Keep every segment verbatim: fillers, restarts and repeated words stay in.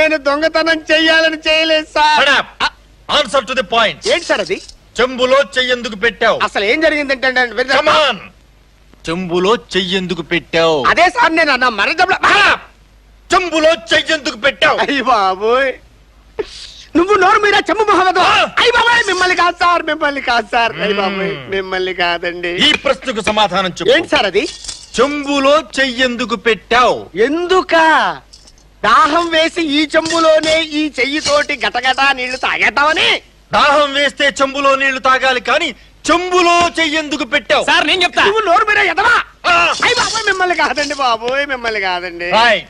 నేను దొంగతనం చెయ్యాలని చేయలేదు sir. Answer to the point. ఏంటి సార్ అది? చెంబులో చెయ్యెందుకు పెట్టావు? అసలు ఏం జరిగిందంటే చెంబులో చెయ్యెందుకు పెట్టావు? అదే సార్ నేను అన్న మర చెంబులో చెయ్యెందుకు పెట్టావు? అయ్యి బాబోయ్, నువ్వు నోరు మీద చెంబు మొహమ్మద్. అయ్యి బాబాయ్, మిమ్మల్ని కాదు సార్, మిమ్మల్ని కాదు సార్. అయ్యి బాబాయ్, మిమ్మల్ని కాదండి. ఈ ప్రశ్నకు సమాధానం చెప్పు. ఏంటి సార్ అది? చెంబులో చెయ్యెందుకు పెట్టావు? ఎందుక దాహం వేసి ఈ చెంబులోనే ఈ చెయ్యితోటి గటగటా నీళ్లు తాగేద్దామని. దాహం వేస్తే చెంబులో నీళ్లు తాగాలి కానీ చెంబులో చెయ్యెందుకు పెట్టావు? సార్ నేను చెప్తా. నువ్వు నోరు మీద ఎదవా. అయ్యి బాబోయ్, మిమ్మల్ని కాదండి బాబోయ్, మిమ్మల్ని కాదండి.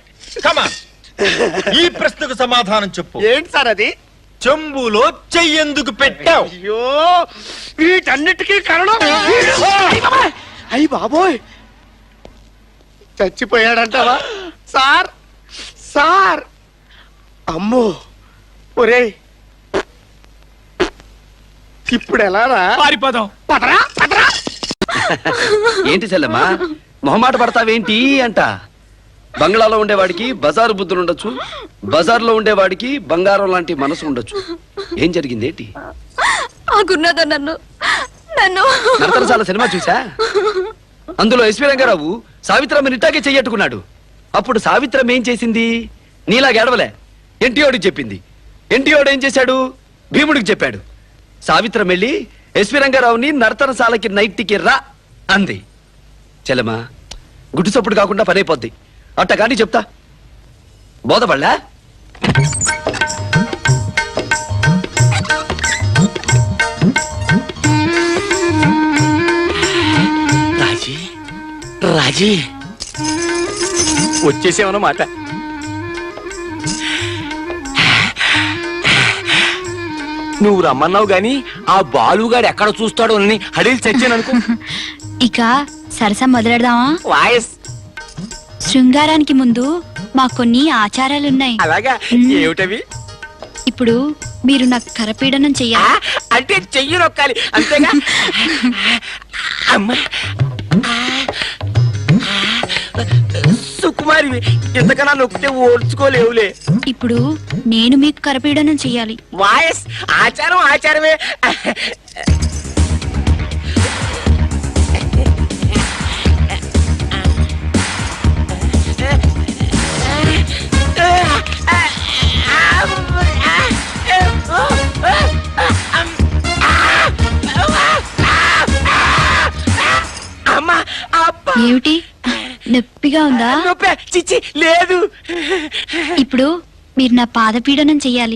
ఈ ప్రశ్నకు సమాధానం చెప్పు. ఏంటి సార్ అది? చెంబులో చెయ్యెందుకు పెట్టావు? అయ్యో, వీటన్నిటికీ కారణం అయ్యి బాబోయ్, చచ్చిపోయాడంటావా సార్? సార్ అమ్మో, ఒరే ఇప్పుడు ఎలా పారిపోదాం. పదరా పదరా. ఏంటి చెల్లెమ్మా మొహమాట పడతావేంటి అంట? బంగ్లాలో ఉండేవాడికి బజారు బుద్ధులు ఉండొచ్చు, బజార్లో ఉండేవాడికి బంగారం లాంటి మనసు ఉండొచ్చు. ఏం జరిగింది ఏంటి? నన్ను నన్ను నరతరసాల సినిమా చూసా? అందులో ఎస్వి రంగారావు సావిత్రమ్మని ఇట్టాగే చెయ్యట్టుకున్నాడు. అప్పుడు సావిత్రమ్మ ఏం చేసింది? నీలా గెడవలే, ఎన్టీఓడికి చెప్పింది. ఎన్టీఓడు ఏం చేశాడు? భీముడికి చెప్పాడు. సావిత్రం వెళ్ళి ఎస్వి రంగారావుని నర్తనశాలకి నైట్కి రా అంది. చెల్లెమ్మా గుడ్డు చప్పుడు కాకుండా పనైపోద్ది. అట్ట కానీ చెప్తా బోధపడలా? రాజీ రాజీ వచ్చేసేమన్నమాట. నువ్వు రమ్మన్నావు గాని ఆ బాలుగాడు ఎక్కడ చూస్తాడో అని హడీలు చచ్చాననుకో. ఇక సరసా మొదలెడదామా? వాయస్ శృంగారానికి ముందు మా కొన్ని ఆచారాలున్నాయి. అలాగా? ఏమిటవి? ఇప్పుడు మీరు నాకు కరపీడనం చెయ్యాలి. అంటే చెయ్యి నొక్కాలి అంతేగా? అమ్మా సుకుమారి, ఇంతకన్నా నొక్కితే ఓడ్చుకోలేవులే. ఇప్పుడు నేను మీకు కరపీడనం చెయ్యాలి. వాయస్ ఆచారం ఆచారమే. ఏమిటి, నొప్పిగా ఉందా? చిచ్చి లేదు. ఇప్పుడు మీరు నా పాదపీడనం చెయ్యాలి.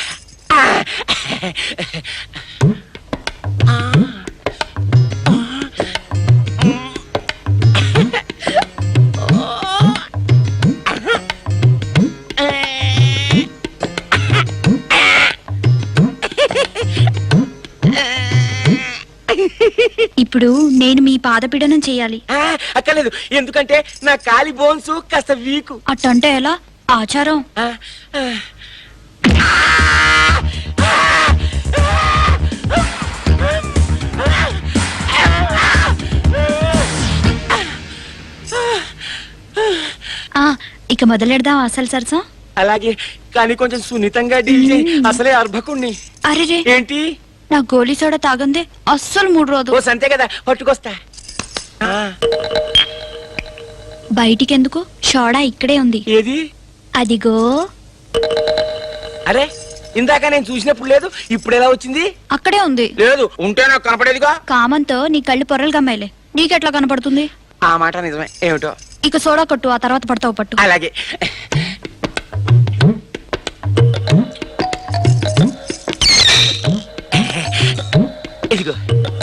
ఇప్పుడు నేను మీ పాదపీడనం చెయ్యాలి. అక్కర్లేదు, ఎందుకంటే నా కాలి బోన్స్ కాస్త వీకు. అట్టంటే ఎలా? ఆచారం. ఇక మొదలెడదాం అసలు సరసం. అలాగే, కానీ కొంచెం సున్నితంగా డీల్ చేయి. అసలే అర్భకుణ్ణి. అరే ఏంటి? నా గోలీ సోడా తాగందే అస్సలు మూడు రోజు. అంతే కదా, పట్టుకొస్తా. బయటికి ఎందుకు? సోడా ఇక్కడే ఉంది. ఏది? అదిగో. అరే, ఇందాక నేను చూసినప్పుడు లేదు, ఇప్పుడు ఎలా వచ్చింది? అక్కడే ఉంది. లేదు, ఉంటే నాకు కనపడేదిగా. కామంతో నీ కళ్ళు పొరలు గమ్మాయిలే, నీకెట్లా కనపడుతుంది? ఆ మాట నిజమే. ఏమిటో. ఇక సోడా కొట్టు, ఆ తర్వాత పడతావు పట్టు. అలాగే. ఇదిగో,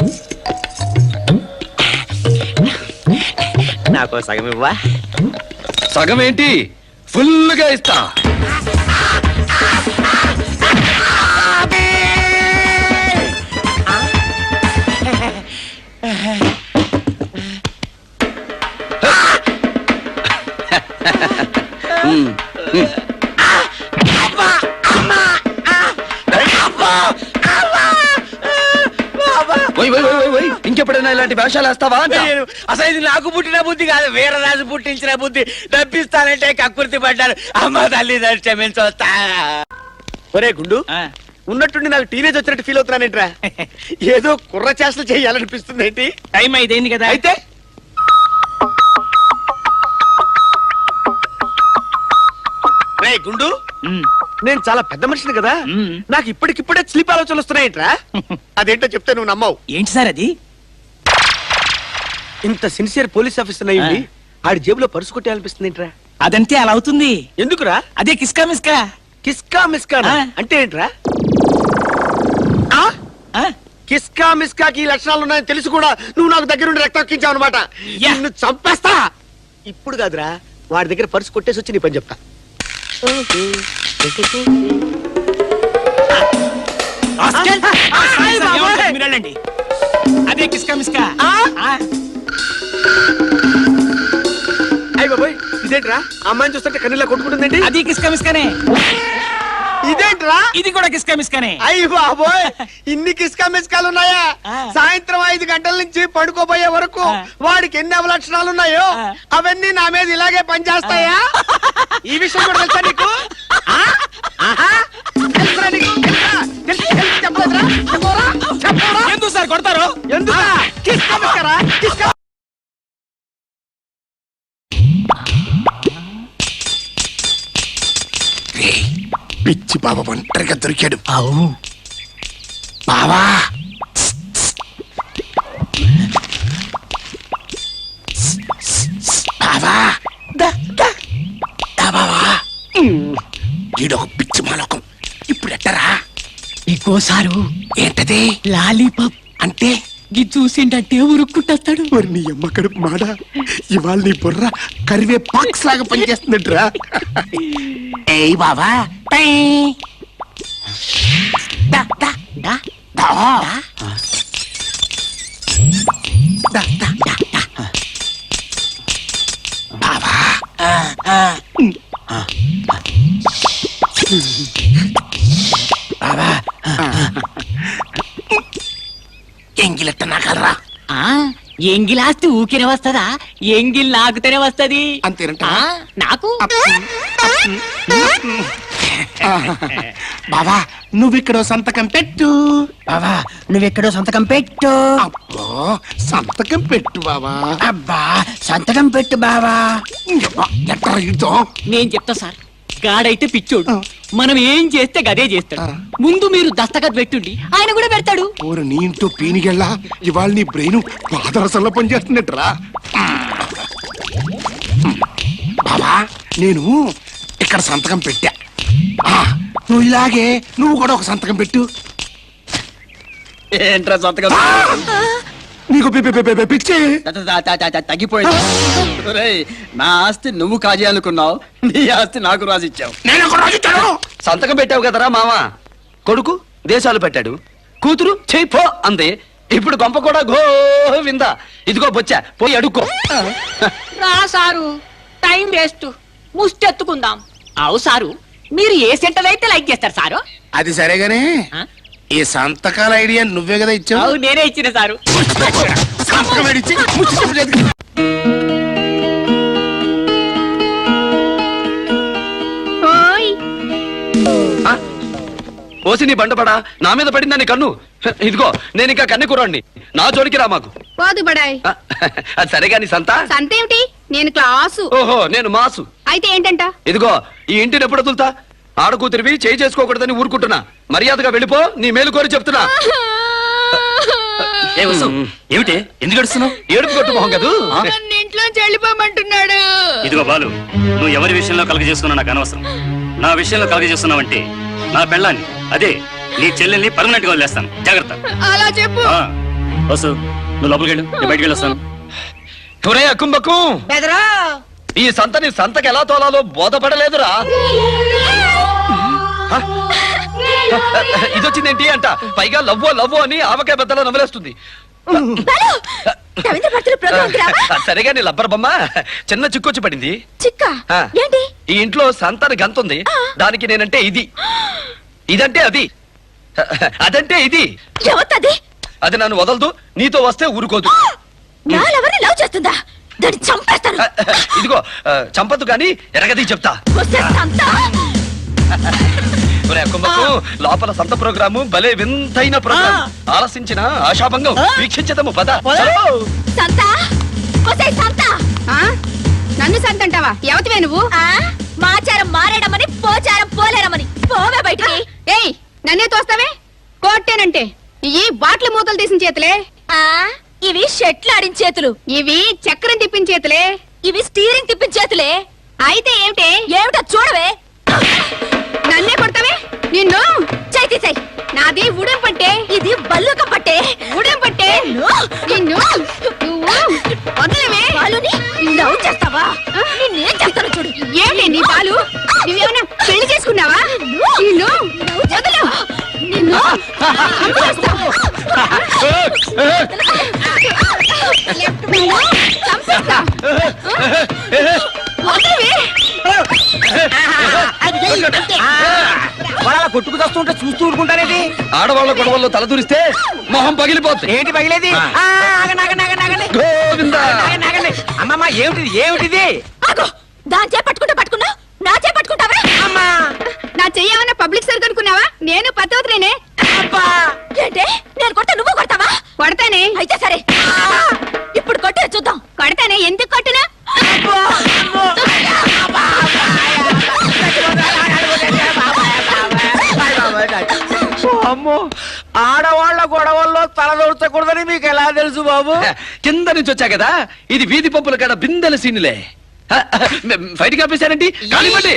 నాకు సగం ఇవ్వా? సగం ఏంటి, ఫుల్ గా ఇస్తా. ఇంకెప్పుడైనా ఇలాంటి వేషాలు వేస్తావా అంట. నేను అసలు ఇది నాకు పుట్టిన బుద్ధి కాదు, వీరరాజు పుట్టించిన బుద్ధి. డబ్బిస్తానంటే కక్కుర్తి పడ్డాను. అమ్మ తల్లి క్షమించొస్తా. ఒరే గుండు, ఉన్నట్టుండి నాకు టీనేజ్ వచ్చినట్టు ఫీల్ అవుతున్నానేంట్రా? ఏదో కుర్ర చేష్టలు చేయాలనిపిస్తుంది ఏంటి? టైం అయిపోయింది కదా. అయితే రే గుండు, నేను చాలా పెద్ద మనిషిని కదా, నాకు ఇప్పటికిప్పుడే స్లీప్ ఆలోచనలు వస్తున్నాయేంట్రా? అదేంటో చెప్తే నువ్వు నమ్మవు. ఏంటి సార్ అది? ఇంత సిన్సియర్ పోలీస్ ఆఫీసర్ అయ్యింది ఆడి జేబులో పర్సు కొట్టేయాలనిపిస్తుంది ఏంట్రా? అదంతే అలా అవుతుంది. ఎందుకురా? అదే కిస్కా మిస్కా. కిస్కా మిస్కా ఆ. అంటే ఏంట్రా? ఆ? ఆ? కిస్కా మిస్కాకి ఈ లక్షణాలు ఉన్నాయని తెలిసి కూడా నువ్వు నాకు దగ్గర నుండి రక్తం ఎక్కించావు అనమాట. యా. నిన్ను చంపేస్తా. ఇప్పుడు కాదురా, వాడి దగ్గర పర్సు కొట్టేసి వచ్చి నీ పని చెప్తా. రాస్కెల్. ఆ, ఆయ్ బాబోయ్. ఏమంటారు మీరు వెళ్ళండి. అదే కిస్కా మిస్కా. ఆ? ఆ? అయ్య బాబోయ్, ఇదేంట్రా అమ్మాయిని చూస్తుంటే కన్నీళ్ళ కొట్టుకుంటుందండి? అది కిస్కా మిస్కానే. ఇదేంట్రా? ఇది కూడా కిస్కా మిస్కానే. అయ్య బాబోయ్, ఇన్ని కిస్కా మిస్కాలు ఉన్నాయా? ఆ. సాయంత్రం ఐదు గంటల నుంచి పడుకోబోయే వరకు ఆ. వాడికి ఎన్ని అవలక్షణాలు ఉన్నాయో ఆ. అవన్నీ నా మీద ఇలాగే పనిచేస్తాయా? ఈ విషయం కూడా తెలుసా నీకు? ఆ? ఆహా? తెలుసురా నీకు? తెలుసా? తెలుసు, తెలుసు, చెప్పలేదురా? చెప్పరా? చెప్పరా? ఎందుకు సార్ కొడతారు? ఎందుకా? కిస్కా మిస్కారా? కిస్కా పిచ్చి బాబా ఒంటరిగా దొరికాడు. అవును. బావా బావా దా, దా. దా బావా. ఈడొక పిచ్చి మాలోకం. ఇప్పుడు ఎట్టరా? ఇంకోసారు ఏంటది? లాలీపాప్ అంటే ఇది చూసిండంటే ఉరుక్కుంటాడు. మరి నీ అమ్మ కడుపు మాడ, ఇవాళ నీ బుర్ర కరివే పాక్స్ లాగా పనిచేస్తున్నట్టురా. ఏయ్ బావా. దా, దా, దా, దా. దా, దా, దా, దా. బావా. బావా, ఎంగిలెట్ట నాకలరా? ఎంగిలాస్తి ఊకినే వస్తదా? ఎంగిల్ నాకుతేనే వస్తది. అంతేనంట. ఆ, నాకు బావా, నువ్విక్కడో సంతకం పెట్టు. బావా నువ్వెక్కడో సంతకం పెట్టు. అబ్బో, సంతకం పెట్టు బావా. అబ్బా సంతకం పెట్టు బావా. ఎట్లా ఇద్దో? నేను చెప్తా సార్, గాడైతే పిచ్చోడు, మనం ఏం చేస్తే గదే చేస్తాడు. ముందు మీరు దస్తఖత్ పెట్టుండి ఆయన కూడా పెడతాడు. ఓరు నీ ఇంటో పీనిగెళ్ళా, ఇవాళ నీ బ్రెయిన్ పాదరసంలో పనిచేస్తున్నట్రా. బావా, నేను ఇక్కడ సంతకం పెట్టా. ఆ, నువ్వు ఇలాగే నువ్వు కూడా ఒక సంతకం పెట్టు. ఏంట్రా సంతకం? నీకు పి- పి- పి- పి- పిచ్చి. త- త- త- త- త- తగ్గిపోయింది. ఒరేయ్, నా ఆస్తి నువ్వు కాజేయాలనుకున్నావు, నీ ఆస్తి నాకు రాసిచ్చావు. నేను ఒక రోజు ఇచ్చాను. సంతకం పెట్టావు కదరా మామ. కొడుకు దేశాలు పెట్టాడు, కూతురు చెయ్యి పో అంది. ఇప్పుడు గొంప కూడా గోవిందా. ఇదిగో బొచ్చా, పోయి అడుక్కో. రా సారు, టైం వేస్ట్, ముష్టెత్తుకుందాం. అవు సారు, మీరు ఏ సెంటర్ అయితే లైక్ చేస్తారు సారు? అది సరేగానే, ఆ? ఈ సంతకాల ఐడియా నువ్వే కదా ఇచ్చావు. అవు నేనే ఇచ్చిన సారు. సంతకం ఏడిచ్చి ముచ్చి చెప్పలేదు. ఆ? పోసి నీ బండపడా నా మీద పడిందని కన్ను. ఇదిగో నేను ఇంకా కన్నె కుర్రాడిని, నా జోలికి రా మాకు. పోదు బడాయ్. ఆ, అది సరే గాని సంత. సంతేమిటి? నేను క్లాసు. ఓహో, నేను మాసు. అయితే ఏంటంట? ఇదిగో ఈ ఇంటిని ఎప్పుడు వదులుతా? ఆడకూతురివి చేయి చేసుకోకూడదని ఊరుకుంటున్నా. మర్యాదగా వెళ్ళిపో, నీ మేలు కోరి చెప్తున్నా. ఏమిటి ఎందుకు ఏడుస్తున్నావు? ఏడుపు కొట్టు మొహం కదూ. నన్ను ఇంట్లోంచి వెళ్ళిపోమంటున్నాడు. ఇదిగో బాలు, నువ్వు ఎవరి విషయంలో కలగ చేసుకున్నా నాకు అనవసరం. నా విషయంలో కలగ చేస్తున్నావంటే నా పెళ్ళాన్ని, అదే నీ చెల్లెల్ని పర్మనెంట్ గా వదిలేస్తాను. జాగ్రత్త. అలా చెప్పు. ఆ, వసు నువ్వు లోపలికి వెళ్ళు, నేను బయటికి వెళ్ళొస్తాను. ఒరే అక్కుంబక్కు, బెదరా ఈ సంతని సంతకి ఎలా తోలాలో బోధపడలేదురా. హ? ఇదొచ్చిందేంటి అంట, పైగా లవ్వో లవ్వో అని ఆవకాయ బద్దలో నవ్వులేస్తుంది. రవీంద్ర భర్తల ప్రోగ్రామ్ కి రావా? సరేగా నీ లబ్బర్ బొమ్మ చిన్న చిక్కొచ్చి పడింది. చిక్క ఆ. ఏంటి? ఈ ఇంట్లో సంతాన గంతుంది, దానికి నేనంటే ఇది, ఇదంటే అది, అదంటే ఇది. ఎవతది? అది నన్ను వదలదు, నీతో వస్తే ఊరుకోదు. నాలెవరిని లవ్ చేస్తుందా? దాన్ని చంపేస్తాను. ఇదిగో ఆ, చంపదు కానీ ఎరగది చెప్తా. వస్తే సంత. ఒరే కుంభకు, లోపల సంత ప్రోగ్రాము భలే వింతైన ప్రోగ్రాం. ఆలసించిన ఆశాభంగం వీక్షించదము పద. చలో. సంత. వస్తే సంత. నన్ను సంతంటావా? ఎవతివే నువ్వు? ఆ, మాచారం మారేడమని పోచారం పోలేరమని పోవే బయటికి. ఏయ్, నన్నే తోస్తావే? కోట్టేనంటే ఈ బాట్ల మూతలు తీసిన చేతులే. ఆ, ఇవి షెట్లాడిన చేతులు. ఇవి చక్రం తిప్పిన చేతులే. ఇవి స్టీరింగ్ తిప్పిన చేతులే. అయితే ఏమిటే? ఏమిటో చూడవే. నన్నే కొడతావే? నిన్ను చైతి చై. నాది ఉడెం పట్టే. ఇది బల్లుక పట్టే. ఉడెం పట్టే. నిన్ను నువ్వు వదలవే. బాలుని లవ్ చేస్తావా? నిన్నేం చేస్తాను చూడు. ఏంటి నీ పాలు? నువ్వేమన్నా పెళ్లి చేసుకున్నావా? నిన్ను వదలు. నిన్ను చంపేస్తా. నిన్ను చంపేస్తా. వదలవే. వాళ్ళ కొట్టుకు వస్తుంటే చూస్తూ ఊరుకుంటారేంటి? ఆడవాళ్ళ గొడవల్లో తలదూరిస్తే మొహం పగిలిపోతుంది. ఏంటి పగిలేది? ఆ. ఆ, ఆగండి, ఆగండి, ఆగండి, ఆగండి. గోవిందా. ఆగండి, ఆగండి. అమ్మమ్మ ఏమిటిది ఏమిటిది? ఆగో, దాని చే పట్టుకుంటా పట్టుకున్నా నా చే పట్టుకుంటావే. అమ్మా నా చెయ్యమన్నా పబ్లిక్ సర్క్ అనుకున్నావా? నేను పతవతలేనే. అబ్బా ఏంటే నేను కొట్ట నువ్వు కొడతావా? కొడతానే. అయితే సరే, ఇప్పుడు కొట్టే చూద్దాం. కొడతానే. ఎందుకు కొట్టునా? అమ్మో, ఆడవాళ్ల గొడవల్లో తలదూర్చకూడదని మీకు ఎలా తెలుసు బాబు? కింద నుంచి వచ్చా కదా, ఇది వీధి పంపుల కాడ బిందెల సీనులే. బయటికి ఆపేశారండి. కానివ్వండి.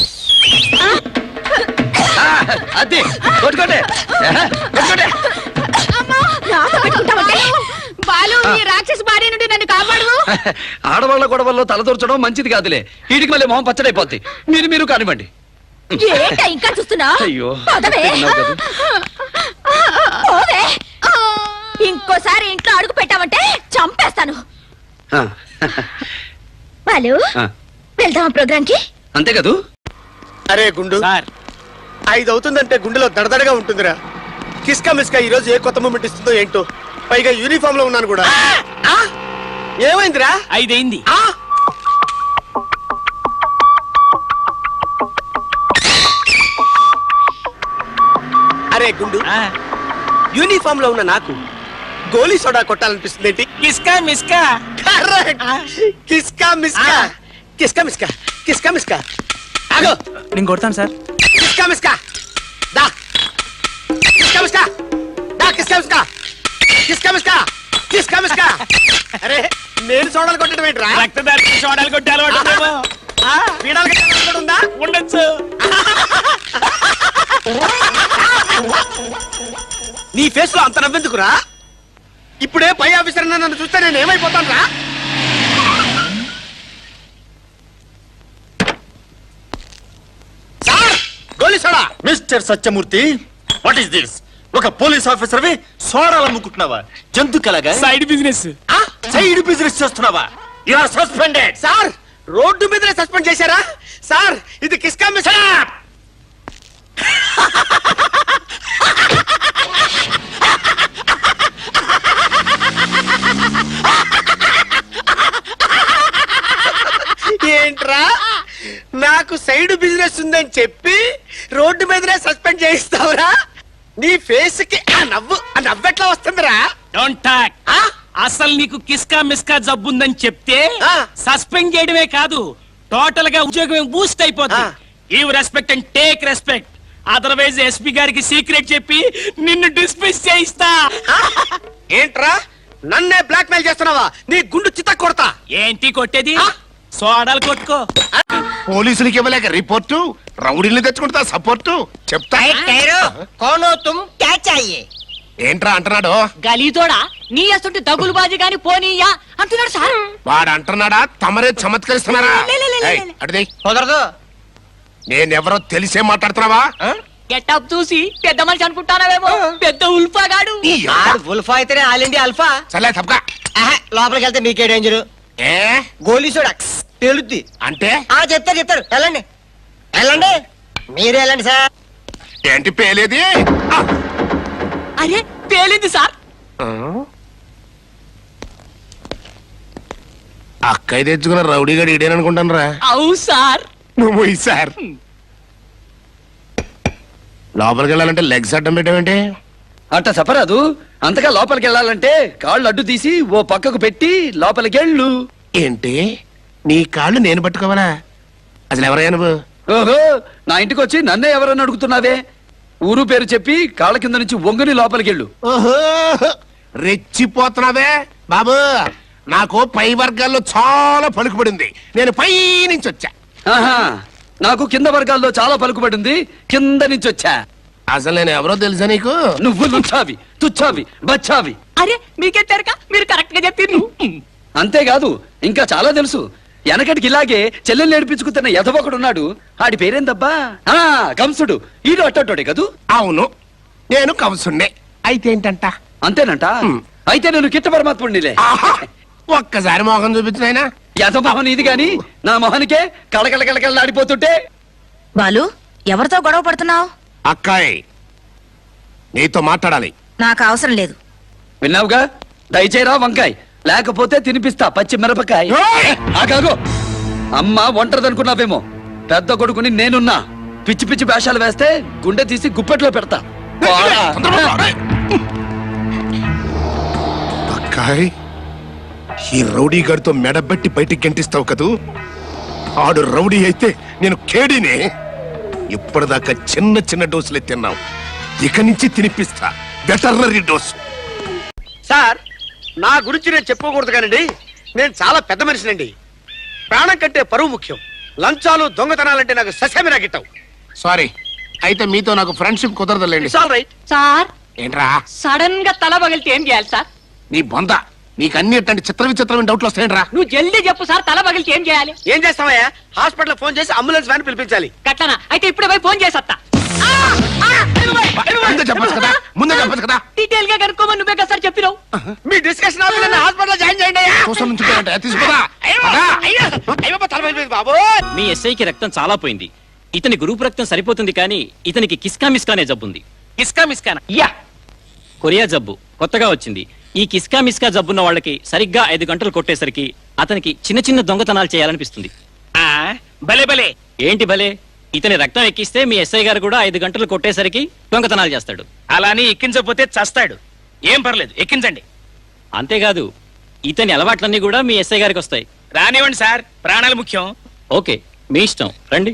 ఆ, అది కొట్టుకోండి. కొట్టుకోండి. నాతో పెట్టుకుంటావంటే బాలు, ఈ రాక్షస భార్య నుండి నన్ను కాపాడు. ఆడవాళ్ళ గొడవల్లో తలదూర్చడం మంచిది కాదులే. వీటికి మళ్ళీ మొహం పచ్చడైపోద్ది. మీరు మీరు కానివ్వండి. ఏంటా ఇంకా చూస్తున్నా? అయ్యో, పదవే. తిన్నావు కదా. పోవే. ఇంకోసారి ఇంట్లో అడుగు పెట్టావంటే చంపేస్తాను. ఆ, బాలు, ఆ, వెళ్దామా ప్రోగ్రామ్ కి? అంతే కదూ. అరే గుండు, సార్ ఐదు అవుతుందంటే గుండెలో దడదడగా ఉంటుందిరా. కిస్కా మిస్కా ఈ రోజు ఏ కొత్త మూమెంట్ ఇస్తుందో ఏంటో. పైగా యూనిఫామ్ లో ఉన్నాను కూడా. ఆ? ఏమైందిరా? ఐదైంది. ఆ? అరే గుండు, ఆ, యూనిఫామ్ లో ఉన్న నాకు గోలీ సోడా కొట్టాలనిపిస్తుంది ఏంటి? కిస్కా మిస్కా. Correct. కిస్కా మిస్కా. కిస్కా మిస్కా. కిస్కా మిస్కా. ఆగో. నేను కొడతాను సార్. కిస్కా మిస్కా. దా. కిస్కా మిస్కా. దా కిస్కా మిస్కా. కిస్కా మిస్కా. కిస్కా మిస్కా. అరే, నేను సోడాలు కొట్టడం ఏంట్రా? రక్తదారి చూడాలి కొట్టే అలవాటు ఉందేమో. ఆ, పీడాలు కట్టే అలవాటు కూడా ఉందా? ఉండొచ్చు. నీ ఫేస్ లో అంత నవ్వెందుకురా? ఇప్పుడే పై ఆఫీసర్ నన్ను చూస్తే నేను ఏమైపోతాను రా? Sir, goli soda. Mister Satyamurthy, what is this? ఒక పోలీస్ ఆఫీసర్వి సోడాలు అమ్ముకుంటున్నావా? జంతుకలాగా సైడ్ బిజినెస్. ఆ, సైడ్ బిజినెస్ చేస్తున్నావా? You are suspended. సార్, రోడ్డు మీదనే సస్పెండ్ చేశారా? సార్, ఇది కిస్కా మిస్కా. ఏంట్రా, నాకు సైడ్ బిజినెస్ ఉందని చెప్పి రోడ్డు మీదనే సస్పెండ్ చేయిస్తావురా? నీ ఫేస్ కి ఆ నవ్వు, ఆ నవ్వెట్లా వస్తుందిరా? Don't talk. ఆ? అసలు నీకు కిస్కా మిస్కా జబ్బుందని చెప్తే ఆ. సస్పెండ్ చేయడమే కాదు, టోటల్ గా ఉద్యోగం బూస్ట్ అయిపోతుంది. ఆ. Give respect and take respect. Otherwise SP గారికి సీక్రెట్ చెప్పి నిన్ను డిస్మిస్ చేయిస్తా. ఏంట్రా, నన్నే బ్లాక్ మెయిల్ చేస్తున్నావా? నీ గుండు చిత్త కొడతా. ఏంటి కొట్టేది? ఆ. సోడాలు కొట్టుకో. పోలీసులకి ఇవ్వలేక రిపోర్టు, రౌడీని తెచ్చుకుంటా సపోర్టు. చెప్తా కోనో తుమ్ క్యా చాహియే? ఏంట్రా అంటున్నాడు? గలీతోడా, నీ అసలు దగులు బాజీ గాని పోనీయా అంటున్నాడు సార్. వాడు అంటున్నాడా? తమరే చమత్కరిస్తున్నారా? లే, లే, లే, లే, ఏయ్, లే. అటుది. కుదరదు. నేనెవరో తెలిసే మాట్లాడుతున్నావా? గెటప్ చూసి పెద్ద మనిషి అనుకుంటానవేమో. పెద్ద ఉల్ఫాగాడు. ఈ యబ్బ. ఉల్ఫా అయితేనే ఆల్ ఇండియా అల్ఫా. సర్లే తప్పక. లోపలికి వెళ్తే మీకే డేంజర్. ఏ గోలీ సోడా పేలుద్ది. అంటే ఆ చెప్తారు చెప్తారు వెళ్ళండి వెళ్ళండి మీరే వెళ్ళండి సార్. ఏంటి పేలేది? ఆ, అరే పేలింది సార్. అక్కయ్య తెచ్చుకున్న రౌడీగాడు ఇడేననుకుంటాను రా అవు సార్ నువ్వు ఈ సార్ లోపలికి వెళ్ళాలంటే లెగ్స్ అడ్డం పెట్టావేంటి అట్ట చెప్పరాదు. అంతగా లోపలికి వెళ్ళాలంటే కాళ్ళు అడ్డు తీసి ఓ పక్కకు పెట్టి లోపలికి వెళ్ళు. ఏంటి నీ కాళ్ళు నేను పట్టుకోవాలా? అసలు ఎవరయ్యా నువ్వు? ఓహో, నా ఇంటికి వచ్చి నన్నే ఎవరని అడుగుతున్నావే? ఊరు పేరు చెప్పి కాళ్ళ కింద నుంచి వంగుని లోపలికి వెళ్ళు. ఓహో రెచ్చిపోతున్నావే బాబు. నాకు పై వర్గాల్లో చాలా పలుకుబడింది. నేను పై నుంచి వచ్చా. ఆహా, నాకు కింద వర్గాల్లో చాలా పలుకుబడింది. కింద నుంచి వచ్చా. అసలు నేను ఎవరో తెలుసా నీకు? నువ్వు లుచ్చావి, తుచ్చావి, బచ్చావి. అరే మీకేం తెరక మీరు కరెక్ట్ గా చెప్పిండ్రు. అంతేకాదు ఇంకా చాలా తెలుసు. వెనకటికి ఇలాగే చెల్లెలు నేర్పించుకుతున్న ఎదవొకడున్నాడు. ఆడి పేరేందబ్బా? ఆ కంసుడు. ఈడు అట్టోడే కదూ? అవును, నేను కంసుండే. అయితే ఏంటంట? అంతేనంట. హ్మ్. అయితే నేను కిట్ట పరమాత్ముడినిలే. ఆహా! ఒక్కసారి మోహం చూపించినాయనా? యథమోహన్ ఇది గాని నా మొహనికే కళకళ కళకళలాడిపోతుంటే. బాలు ఎవరితో గొడవ పడుతున్నావు? అక్కాయ్ నీతో మాట్లాడాలి. నాకు అవసరం లేదు. విన్నావుగా? దయచేరా వంకాయ్, లేకపోతే తినిపిస్తా పచ్చి మిరపకాయ. ఏయ్! ఆగాగు. అమ్మ ఒంటరిదనుకున్నావేమో, పెద్ద కొడుకుని నేనున్నా. పిచ్చి పిచ్చి వేషాలు వేస్తే గుండె తీసి గుప్పెట్లో పెడతా. పోరా. అక్కాయ్ ఈ రౌడీ గారితో మెడబెట్టి బయటికి గంటిస్తావు కదూ? ఆడు రౌడీ అయితే నేను కేడీనే. ఇప్పటిదాకా చిన్న చిన్న డోసులే తిన్నావు, ఇక నుంచి తినిపిస్తా వెటర్నరీ డోసు. సార్, నా గురించి నేను చెప్పుకోకూడదు కానండి, నేను చాలా పెద్ద మనిషినండి. ప్రాణం కంటే పరువు ముఖ్యం. లంచాలు దొంగతనాలంటే నాకు ససేమిరా గిట్టవు. సారీ, అయితే మీతో నాకు ఫ్రెండ్షిప్ కుదరదులేండి. It's all right. సార్ ఏంట్రా సడన్ గా తల పగిలితే ఏం చేయాలి సార్? నీ బొంద, నీకు అన్ని ఇట్లాంటి చిత్ర విచిత్రమైన డౌట్లు వస్తాయంట్రా. నువ్వు జల్దీ చెప్పు సార్, తల పగిలితే ఏం చేయాలి? ఏం చేస్తావయ్యా? హాస్పిటల్ ఫోన్ చేసి అంబులెన్స్ వ్యాన్ పిలిపించాలి. గట్లనా? అయితే ఇప్పుడే పోయి ఫోన్ చేసత్తా. ముందే చెప్పచ్చు కదా, ముందే చెప్పచ్చు కదా. డీటెయిల్ గా కనుక్కోమని నువ్వే కదా సార్ చెప్పినావు. మీ డిస్కషన్ హాస్పిటల్ జాయిన్ చేయండి అయ్యా. చూసాను నుంచి తీసుకోదా. అయ్యో, అయ్యో, అయ్యో, తల పగిలిపోయింది బాబు. మీ ఎస్ఐకి రక్తం చాలా పోయింది. ఇతని గ్రూప్ రక్తం సరిపోతుంది కానీ ఇతనికి కిస్కా మిస్కానే జబ్బుంది. కిస్కా మిస్కానా? యా, కొరియా జబ్బు కొత్తగా వచ్చింది. ఈ కిస్కా మిస్కా జబ్బున్న వాళ్ళకి సరిగ్గా ఐదు గంటలు కొట్టేసరికి అతనికి చిన్న చిన్న దొంగతనాలు చేయాలనిపిస్తుంది. ఆ, భలే భలే. ఏంటి భలే? ఇతని రక్తం ఎక్కిస్తే మీ ఎస్ఐ గారు కూడా ఐదు గంటలు కొట్టేసరికి దొంగతనాలు చేస్తాడు. అలాని ఎక్కించకపోతే చస్తాడు. ఏం పర్లేదు, ఎక్కించండి. అంతేకాదు ఇతని అలవాట్లన్నీ కూడా మీ ఎస్ఐ గారికి వస్తాయి. రానివ్వండి సార్, ప్రాణాలు ముఖ్యం. ఓకే, మీ ఇష్టం, రండి.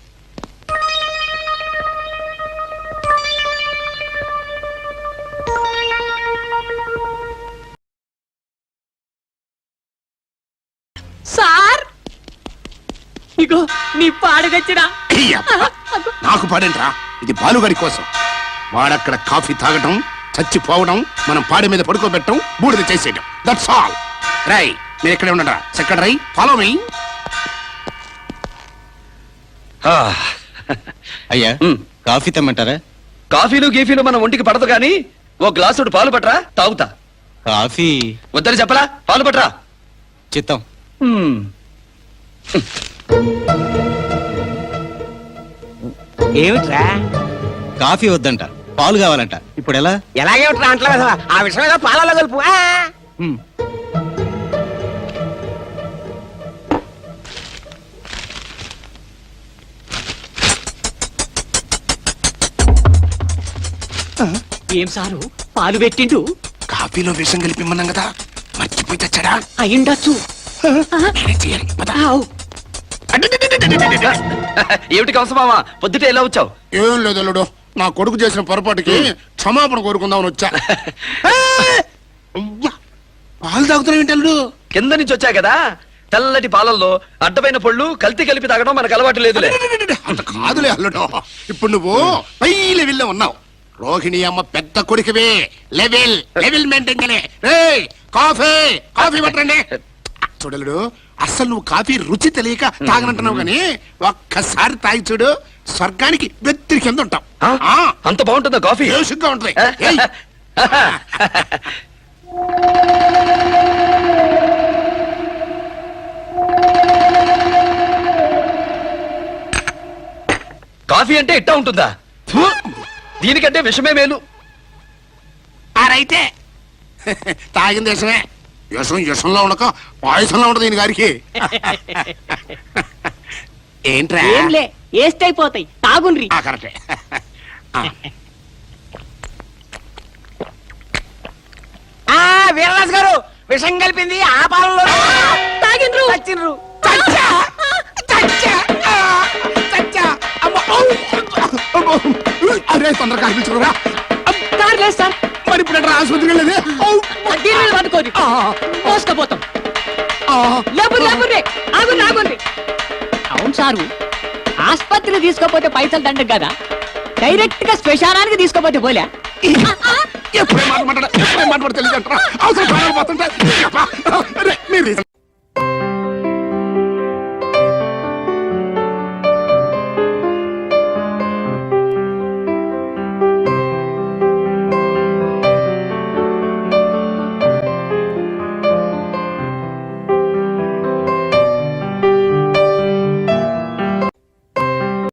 సార్ ఇగో నీ పాడి తెచ్చినా. నాకు పాడేంట్రా, ఇది బాలుగాడి కోసం. వాడక్కడ కాఫీ తాగటం, చచ్చిపోవడం, మనం పాడి మీద పడుకోబెట్టడం, బూడిద చేసేయడం. That's all. రై మీరు ఇక్కడే ఉండరా. Second right follow me. అయ్యా కాఫీ తెమ్మంటారా? కాఫీలు గీఫీలు మన ఒంటికి పడదు గాని ఓ గ్లాసుడు పాలు పట్రా, తాగుతా. కాఫీ వద్దని చెప్పరా, పాలు పట్రా. చిత్తం. హ్మ్. ఏమిట్రా? కాఫీ వద్దంట, పాలు కావాలంట. ఇప్పుడు ఎలా? ఎలాగేమిట్రా అంటలే కదా, ఆ విషయం ఏదో పాలలో కలుపు. ఆ! హ్మ్. ఏం సారు పాలు పెట్టిండు? కాఫీలో విషం కలిపిమ్మన్నాం కదా, మర్చిపోయి తెచ్చాడా? అయ్యుండొచ్చు. నేనే చేయాలి. పద. ఆవ్. ఏమిటి కవసమావా, పొద్దుటే ఎలా వచ్చావు? ఏం లేదు అల్లుడు, నా కొడుకు చేసిన పొరపాటుకి క్షమాపణ కోరుకుందామని వచ్చా. అయ్యా, పాలు తాగుతున్నావు ఏంటి అల్లుడు? కింద నుంచి వచ్చా కదా, తెల్లటి పాలల్లో అడ్డమైన పళ్ళు కల్తీ కలిపి తాగడం మనకు అలవాటు లేదులే. అంత కాదులే అల్లుడు, ఇప్పుడు నువ్వు పై లెవెల్లో ఉన్నావు. రోహిణి అమ్మ పెద్ద కొడుకువే, లెవెల్ లెవెల్ మెయింటైన్ చేయలే. రేయ్, కాఫీ కాఫీ పట్టండి. చూడలుడు, అసలు నువ్వు కాఫీ రుచి తెలియక తాగనంటున్నావు గానీ ఒక్కసారి తాగి చూడు, స్వర్గానికి వెత్తిరి కింద ఉంటావు. ఆ? అంత బాగుంటుందా కాఫీ? బేసిక్గా ఉంటుంది. ఏయ్. కాఫీ అంటే ఇట్టా ఉంటుందా? ఫు! దీనికంటే విషమే మేలు. ఆరైతే తాగిన దేశమే. యశం యశంలో ఉండక పాయసంలో ఉండదు ఈయన గారికి ఏంట్రా ఏంలే వేస్ట్ అయిపోతాయి తాగుండ్రి ఆ, కరెక్టే ఆ, ఆ వీరరాజు గారు విషం కలిపింది ఆ పాలలో తాగిండ్రు చచ్చిండ్రు చచ్చా చచ్చా ఆ, చచ్చా అమ్మ ఔ! అమ్మో! అరే తొందరగా కనిపించుకోరా కార్ లేదు సార్ మరి ఇప్పుడు ఎట్రా ఆసుపత్రికి వెళ్ళేది ఔ! దీని మీద పట్టుకోండి ఆ, మోసుకపోతాం ఆ, లేబుర్ లేబుర్ రే ఆగుండి ఆగుండి అవును సారు ఆస్పత్రికి తీసుకోపోతే పైసలు దండగ కదా డైరెక్ట్ గా శ్మశానానికి తీసుకోపోతే పోలే ఎప్పుడే మాట మాట్లాడ ఎప్పుడే మాట తెలియదు అంటారా అవసరం ప్రాణాలు పోతుంటే అబ్బా! అరే, మీరు